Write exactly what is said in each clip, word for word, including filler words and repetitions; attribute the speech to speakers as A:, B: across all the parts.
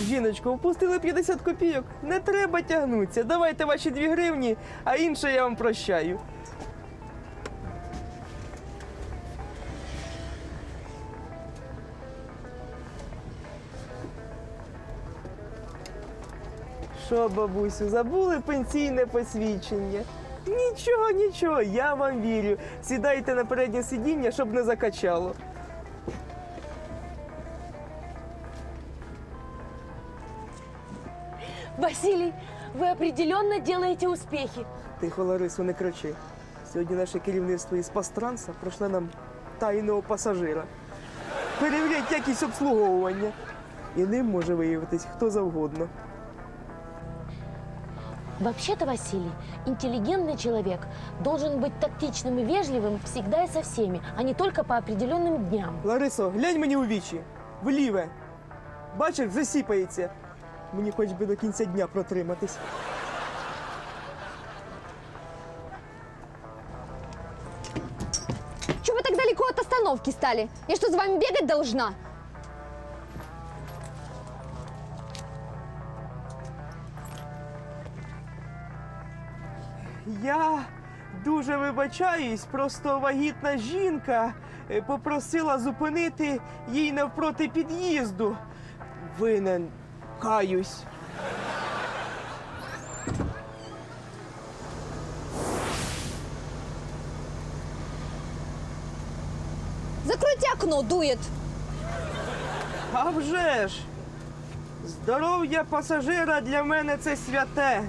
A: Жіночко, впустили п'ятдесят копійок. Не треба тягнутися. Давайте ваші дві гривні, а інше я вам прощаю. Що, бабусю, забули пенсійне посвідчення? Нічого, нічого, я вам вірю. Сідайте на переднє сидіння, щоб не закачало.
B: Василий, вы определенно делаете успехи.
A: Тихо, Ларисо, не кричи. Сьогодні наше керівництво із Пастранса пройшло нам тайного пасажира. Перевірять якість обслуговування. І ним може виявитись хто завгодно.
B: Вообще-то, Василий, интеллигентный человек должен быть тактичным и вежливым всегда и со всеми, а не только по определенным дням.
A: Ларисо, глянь мені у вічі. Вліве. Бачиш, вже сіпається. Мені хоч би до кінця дня протриматись.
C: Чего вы так далеко от остановки стали? Я что, за вами бегать должна?
A: Я дуже вибачаюсь, просто вагітна жінка е, попросила зупинити їй навпроти під'їзду. Винен, каюсь.
C: Закройте окно, дует.
A: А вже ж! Здоров'я пасажира для мене це святе.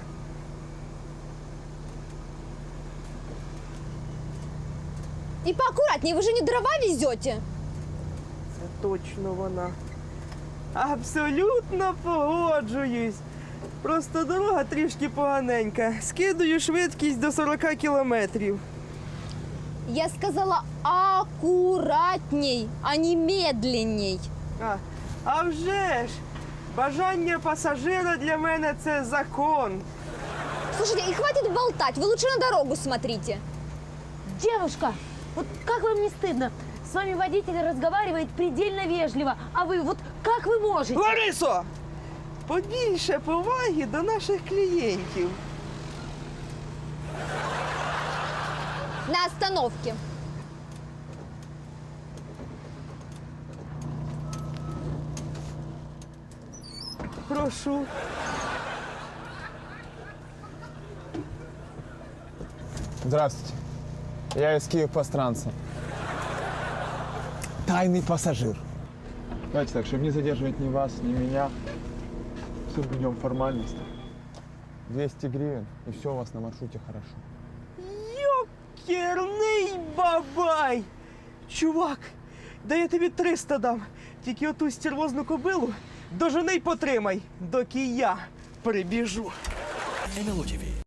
C: И поаккуратнее, вы же не дрова везете.
A: Це точно вона. Абсолютно погоджуюсь. Просто дорога трішки поганенька. Скидаю швидкість до сорок кілометрів.
C: Я сказала аккуратней, а не медленней.
A: А, а вже ж! Бажання пасажира для мене це закон.
C: Слушайте, и хватит болтать, вы лучше на дорогу смотрите.
B: Девушка, вот как вам не стыдно? С вами водитель разговаривает предельно вежливо, а вы вот как вы можете?
A: Ларисо! Побільше поваги до наших клієнтів.
C: На остановке.
A: Прошу.
D: Здравствуйте. Я из Киев-Постранца. Тайный пассажир. Давайте так, чтобы не задерживать ни вас, ни меня. Соблюдем формальность. двести гривен, и все у вас на маршруте хорошо.
A: Йокерний бабай! Чувак, да я тобі триста дам. Тільки оту стервозну кобилу дожени й потримай, доки я прибіжу.
E: ен ел о ті ві